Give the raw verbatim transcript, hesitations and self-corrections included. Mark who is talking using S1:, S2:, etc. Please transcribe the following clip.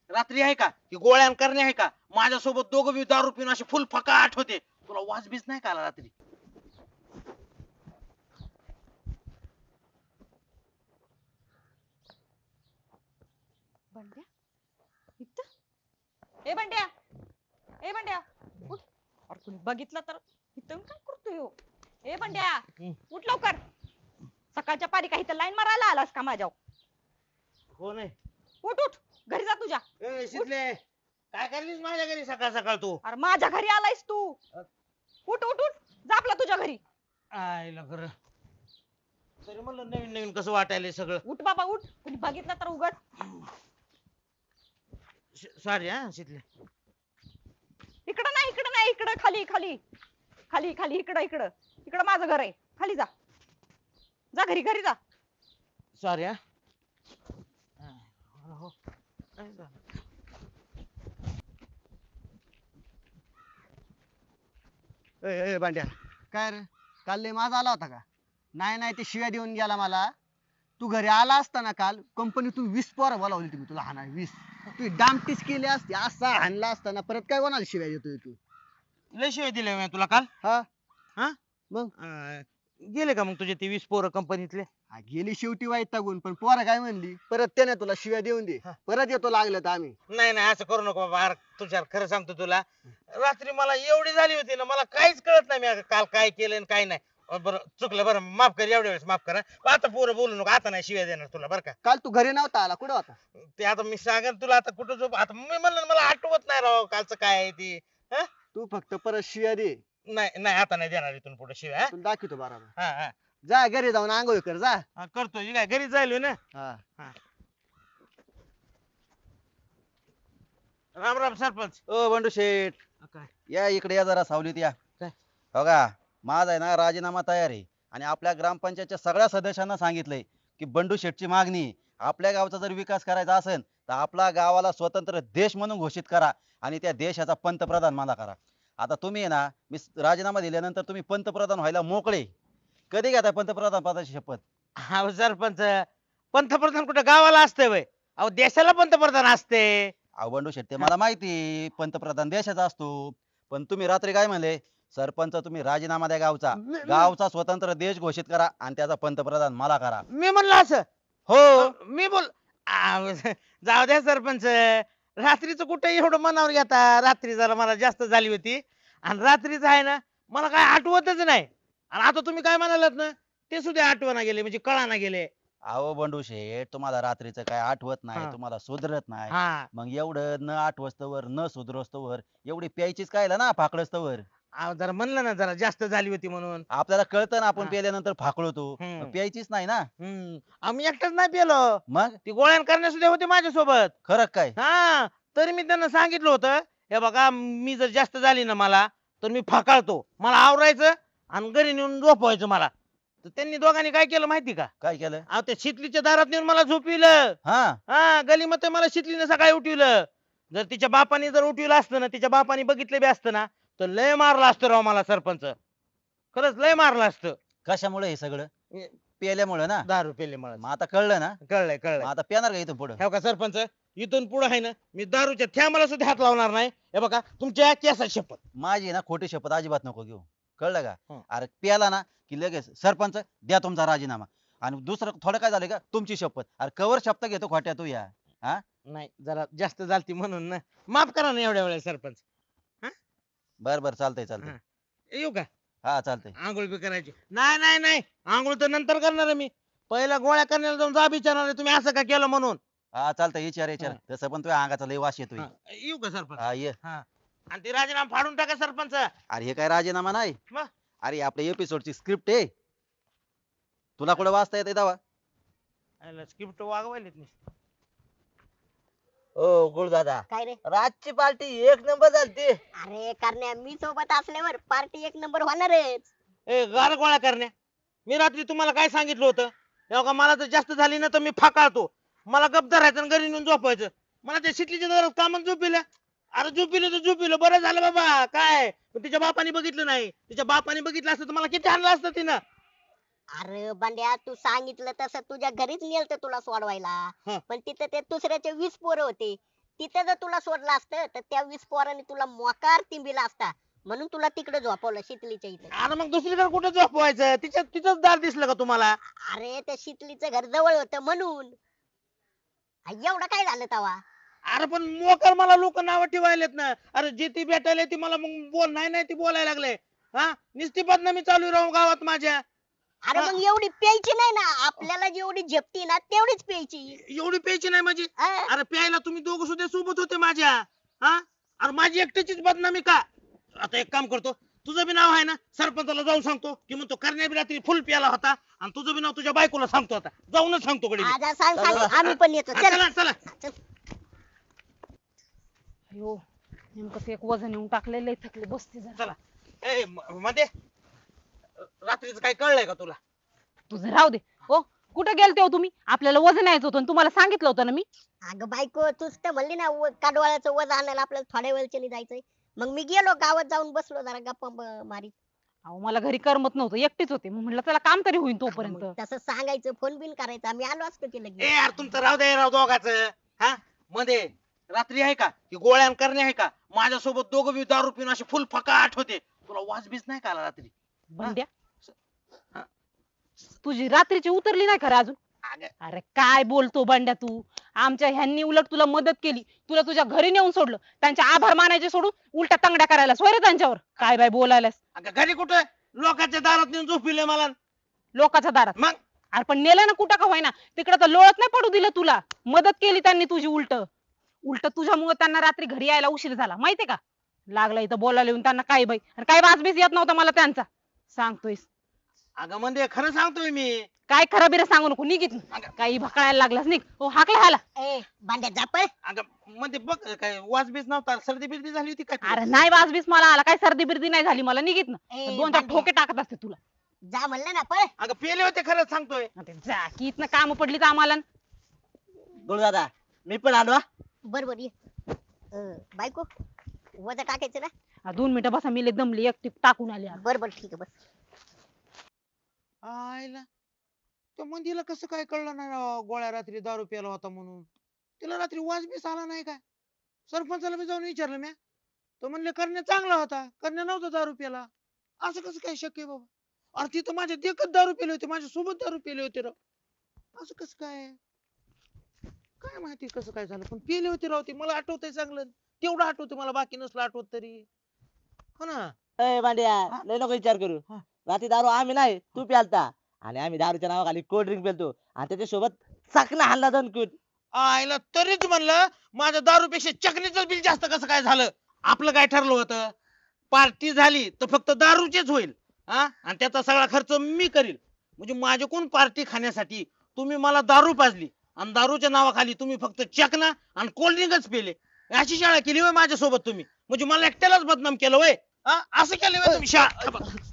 S1: रात्री आहे का की गोळ्या करणे आहे का माझ्यासोबत दोघं बी दारू पिऊन असे फुल फकाट होते. तुला वाज बीज नाही का आला रात्री?
S2: बंड्या इथं ए बंड्या ए बंड्या उठ. अरे कुणी बघितलं तर इथं काय करतोय हो? ए बंड्या उठ लवकर. सकाळच्या पारी काही तर लाईन मारायला आलास का माझ्यावर?
S1: हो नाही.
S2: उठ उठ घरी जा तुझ्या.
S1: ए शितले काय करलीस माझ्या घरी सकाळ सकाळ तू?
S2: अरे माझ्या घरी आलायस तू. उठ उठ उठ जा आपला तुझ्या घरी.
S1: आयला खरं तरी म्हणलं नवीन नवीन कसं वाटायलंय सगळं.
S2: उठ बाबा उठ. कुणी बघितलं तर उघड.
S1: सॉरी हा शितले.
S2: इकडं नाही इकडं नाही इकडं खाली खाली खाली खाली इकडं इकडं इकडं माझं घर आहे. खाली जा जा घरी घरी जा.
S1: सॉरी हा. हो, हो. काय झालं?
S3: ए ए भांड्या काय रे काल लय माझा आला होता का? नाही नाही ते शिव्या देऊन गेला मला. तू घरी आला असता ना काल कंपनी तू वीस पोरं बोलावली तुम्ही तुला हाना वीस तू डामटीस केली असती असा हाणला असताना परत काय कोणाला शिव्या देतोय तू?
S1: लय शिवाय दिले मी तुला काल.
S3: हा
S1: हा
S3: मग
S1: अं, गेले का मग तुझे ते वीस पोरं कंपनीतले?
S3: हा, गेली शेवटी वैतागून पण पोरं काय म्हणली परत त्याने तुला शिव्या देऊन दे परत येतो लागलं तर आम्ही.
S1: नाही नाही असं करू नको बाबा. अरे तुषार खरं सांगतो तुला रात्री मला एवढी झाली होती ना मला काहीच कळत नाही मी काल काय केलं आणि काय नाही. अं, बरं चुकलं बरं माफ कर एवढ्या वेळेस माफ करा. आता पोरं बोलू नको आता नाही शिव्या देणार तुला बरं का.
S3: काल तू घरी नव्हता आला कुठं होता?
S1: ते आता मी सांगेन तुला आता कुठं झोप आता मी म्हणलं ना, मला आठवत नाही राव कालचं काय आहे ती. हा?
S3: तू फक्त परत शिव्या दे
S1: नाही नाही आता नाही देणार इथून पुढे शिव्या.
S3: तुला दाखवतो बरोबर.
S1: हा हा
S3: जा घरी जाऊन आंघोळ कर जा.
S1: हा करतो ही काय घरी जाईल ना.
S3: हा
S1: राम राम सरपंच.
S4: ओ बंडू शेठ
S1: काय
S4: या इकडे या जरा सावलीत या.
S1: काय?
S4: हो का माझा आहे ना राजीनामा तयार आहे आणि आपल्या ग्रामपंचायतच्या सगळ्या सदस्यांना सांगितलंय की बंडू शेठची मागणी आहे. आपल्या गावचा जर विकास करायचा असेल तर आपला गावाला स्वतंत्र देश म्हणून घोषित करा आणि त्या देशाचा पंतप्रधान मला करा. आता तुम्ही आहे ना मी राजीनामा दिल्यानंतर तुम्ही पंतप्रधान व्हायला मोकळे. कधी घेताय पंतप्रधान पदाची शपथ?
S1: हा सरपंच पंतप्रधान कुठं गावाला असते वय? अहो देशाला पंतप्रधान असते.
S4: अहो बंडू शेठ ते मला माहिती पंतप्रधान देशाचा असतो पण तुम्ही रात्री काय म्हणले सरपंच तुम्ही राजीनामा द्या गावचा गावचा स्वतंत्र देश घोषित करा आणि त्याचा पंतप्रधान मला करा.
S1: मी म्हणलं असं
S4: हो
S1: मी बोल आ, जाऊ द्या सरपंच. रात्रीचं कुठं एवढं मनावर घेता. रात्री जरा मला जास्त झाली होती आणि रात्रीच आहे ना मला काय आठवतच नाही. आणि आता तुम्ही काय म्हणालात ना ते सुद्धा आठवना गेले म्हणजे कळाना गेले.
S4: अहो बंडू शेठ तुम्हाला रात्रीचं काय आठवत नाही
S1: हा.
S4: तुम्हाला सुधरत नाही.
S1: हा
S4: मग एवढं न आठवस्तवर न सुधरस्तवर एवढी प्यायचीच काय ना फाकळस्तवर.
S1: अहो, जरा म्हणलं ना जरा जास्त झाली होती म्हणून.
S4: आपल्याला कळतं ना आपण
S1: हा.
S4: प्यायल्यानंतर फाकळतो
S1: हम्म.
S4: मग प्यायचीच नाही ना.
S1: हम्म आम्ही एकटाच नाही पेलो.
S4: मग
S1: ती गोळ्यान करण्या सुद्धा होते माझ्यासोबत.
S4: खरं काय?
S1: हा तरी मी त्यांना सांगितलं होतं हे बघा मी जर जास्त झाली ना मला तर मी फाकाळतो. मला आवरायचं आणि घरी नेऊन झोपवायचं मला. तर त्यांनी दोघांनी काय केलं माहिती का?
S4: काय केलं?
S1: अहो त्या शितलीच्या दारात नेऊन मला झोपविलं.
S4: हा
S1: हा गलीमध्ये मला शितलीने सकाळी उठविलं. जर तिच्या बापाने जर उठविलं असतं ना तिच्या बापाने बघितलं बी असतं ना तर लय मारलं असतं राव मला सरपंच. खरंच लय मारलं असतं.
S4: कशामुळे हे सगळं? प्यायल्यामुळे ना.
S1: दारू पेले मला.
S4: मग आता कळलं ना.
S1: कळलंय
S4: मग
S1: कळलंय.
S4: आता प्याणार का इथून पुढे?
S1: हे का सरपंच इथून पुढे आहे ना मी दारूच्या थ्यामाला सुद्धा हात लावणार नाही. हे बघा तुमच्या केसा शपथ.
S4: माझी ना खोटी शपथ अजिबात नको घेऊ कळलं का?
S1: हं.
S4: अरे प्याला ना की लगेच सरपंच द्या तुमचा राजीनामा आणि दुसरं थोडं काय झालं का तुमची शपथ. अरे कवर शपथ घेतो खोट्या तू या. हा
S1: नाही जरा जास्त झालती म्हणून ना माफ करा ना एवढ्या वेळेस सरपंच.
S4: बर बर चालतंय चालतंय.
S1: हा. येऊ का?
S4: हा चालतंय.
S1: आंघोळ बी करायची? नाही नाही नाही आंघोळ तर नंतर करणार आहे मी. पहिला गोळ्या करण्याला जाऊन जा विचारणार आहे तुम्ही असं का केलं म्हणून.
S4: हा चालतंय विचार विचार
S1: हा.
S4: तसं पण तुझ्या अंगाचा लय वास येतोय.
S1: हा, येऊ का सरपंच?
S4: हा ये.
S1: हा आणि ते राजीनामा फाडून टाका सरपंच.
S4: अरे हे काय राजीनामा नाही.
S1: मग?
S4: अरे आपल्या एपिसोडची स्क्रिप्ट आहे. तुला कुठे वाचता येते दावा?
S1: स्क्रिप्ट वागवायलेत नाही.
S5: ओ गुळदादा
S6: काय रे?
S5: रातची पार्टी एक नंबर झालती.
S6: अरे करण्या मी सोबत असल्यावर पार्टी एक नंबर होणारच.
S1: ए गार गोळ्या करण्या मी रात्री तुम्हाला काय सांगितलं होतं हे बघा मला जर जास्त झाली ना तर मी फाकाळतो. मला गप धरायचं आणि घरी नेऊन झोपायचं. मला त्या शिटलीच्या दारात कामच झोपिलं. अरे झोपिलं तर झोपिलं बरं झालं बाबा काय पण तिच्या बापाने बघितलं नाही. तिच्या बापाने बघितलं असतं तर मला किती आणलं असतं तिनं.
S6: अरे बंड्या तू सांगितलं तसं तुझ्या घरीच नेलत तुला सोडवायला.
S1: हं.
S6: पण तिथं ते दुसऱ्याचे वीस पोरं होते. तिथे जर तुला सोडलं असतं तर त्या वीस पोरांनी तुला मोकार तिंबिला असता, म्हणून तुला तिकडे झोपवलं शितलीच्या इथे.
S1: अरे मग दुसरीकडे कुठं झोपवायचं? तिच्या तिचंच दार दिसलं का तुम्हाला?
S6: अरे त्या शितलीचं घर जवळ होतं म्हणून. आ, एवढं काय झालं तवा?
S1: अरे पण मोकर मला लोक नाव ठेवायलेत ना. अरे जे ती भेटायला ती मला मग बोल नाही नाही ती बोलायला लागले. हा निस्ती बदनामी चालू राहून गावात माझ्या.
S6: अरे मग एवढी प्यायची नाही ना, आपल्याला जेवढी झेपती ना तेवढीच प्यायची.
S1: एवढी प्यायची नाही माझी.
S6: हा?
S1: अरे प्यायला तुम्ही दोघं सुद्धा सोबत होते माझ्या. हा अरे माझी एकट्याचीच बदनामी का? आता एक काम करतो, तुझं बी नाव आहे ना, सरपंचाला जाऊन सांगतो की म्हणतो करण्या बी रात्री फुल प्याला होता, आणि तुझं बी नाव तुझ्या बायकोला सांगतो. आता जाऊनच सांगतो कडे.
S6: आजा सांग सांग, आम्ही पण येतो. चल
S1: चला चला.
S6: चल.
S2: अयो नेमकं ते एक वजन येऊन टाकलेलं थकले, बसते जरा.
S1: चला ए म- मध्ये रात्रीचं काय कळलंय का तुला?
S2: तुझं राहू दे. हो कुठे गेलते हो तुम्ही? आपल्याला वजन यायचं होतं आणि तुम्हाला सांगितलं होतं ना मी.
S6: अगं बायको, तूच तर म्हणली ना व- काडवाळ्याचं वज आणायला आपल्याला थोड्या वेळच्या जायचंय. मग मी गेलो गावात, जाऊन बसलो जरा गप्पा ब- मारीत.
S2: अहो मला घरी करमत नव्हतं, एकटीच होते. मग म्हटलं चला काम तरी होईल तोपर्यंत.
S6: मग तसं सांगायचं, फोन बिन करायचा, मी आलो असतो की
S1: ए
S6: लगेच.
S1: यार तुमचं राहू दे राव दोघाचं. हा मध्ये रात्री आहे का की गोळ्यान करणे आहे का? माझ्यासोबत दोघं बी दारू पिऊन असे फुल फकाट होते. तुला वाज बीज नाही का आला रात्री?
S2: बंड्या
S1: हा.
S2: तुझी रात्रीची उतरली नाही खरं अजून?
S1: अगं,
S2: अरे काय बोलतो बंड्या तू? आमच्या ह्यांनी उलट तुला मदत केली, तुला तुझ्या घरी नेऊन सोडलं, त्यांचे आभार मानायचे सोडून उलटा तंगड्या करायला सोय रे त्यांच्यावर. काय बाय बोलायलास?
S1: अगं घरी कुठं? लोकांच्या दारात नेऊन झोपिले मला.
S2: लोकांच्या दारात.
S1: मग
S2: अरे पण नेलं ना कुठं का होईना, तिकडे तर लोळत नाही पडू दिलं तुला. मदत केली त्यांनी तुझी. उलट उलट तुझ्यामुळे त्यांना रात्री घरी यायला उशीर झाला, माहितीये का? लागला इथं बोलायला येऊन त्यांना. काय बाई, आणि काय वाजबीस येत नव्हता मला त्यांचा. सांगतोयस
S1: अगं म्हणजे खरं सांगतोय मी.
S2: काय खरं बिरं सांगू नको, निघित काही भकाळायला लागलास. निघ. हो हाकला ह्याला.
S6: ए भांड्या जापळ.
S1: अगं म्हणजे बघ काय वाज बीज नव्हता, सर्दी बिर्दी झाली होती काय तुला?
S2: अरे नाही वाजबीस मला आला, काय सर्दी बिर्दी नाही झाली मला. निघित ना,
S6: ए,
S2: दोन चार
S6: भांड्या.
S2: ठोके टाकत असते तुला.
S6: जा म्हणलं ना पळ.
S1: अगं पेले होते खरंच सांगतोय.
S2: आता जा की इथनं काम पडली तर आम्हाला.
S5: गुरु दादा मी पण आलो हा.
S6: बर बर ये. अं, बायको वजा टाकायचं ना.
S2: हा, दोन मिनिटं बसा, मी लय दमली, एकटी टाकून आली आता.
S6: बर बर ठीक आहे बस.
S1: आयला त्या मंदीला कसं काय कळलं नाही राव, गोळ्या रात्री दारू प्याला होता म्हणून. तिला रात्री वाज बीस आला नाही काय? सरपंचाला बी जाऊन विचारलं म्या, तो म्हणले करण्या चांगला होता, करण्या नव्हता दारू प्याला. असं कसं काय शक्य आहे बाबा? अरे तिथं माझ्या देखत दारू पेले होते, माझ्या सोबत दारू पेले होते राव. असं कसं काय? काय माहिती कसं काय झालं, पण पेले होते राव ते. मला आठवतंय चांगलं, तेवढं आठवतं मला, बाकी नसलं आठवत तरी. हो ना.
S5: ए भांड्या लय नको विचार करू.
S1: हा.
S5: रात्री दारू आम्ही नाही तू प्यालता, आणि आम्ही दारूच्या नावाखाली कोल्ड ड्रिंक पेलतो, आणि त्याच्यासोबत चकना हल्ला दोन कूट.
S1: आईला तरीच म्हणलं माझ्या दारूपेक्षा चकनीचं बिल जास्त कसं काय झालं. आपलं काय ठरलं होतं, पार्टी झाली तर फक्त दारूचीच होईल. हा आणि त्याचा सगळा खर्च मी करील. म्हणजे माझ्याकडून पार्टी खाण्यासाठी तुम्ही मला दारू पाजली, आणि दारूच्या नावाखाली तुम्ही फक्त चकना आणि कोल्ड्रिंकच पेले. अशी शाळा केली होय माझ्यासोबत तुम्ही? म्हणजे मला एकट्यालाच बदनाम केलं होय? हा? असं केलं होय तुम्ही शाळा?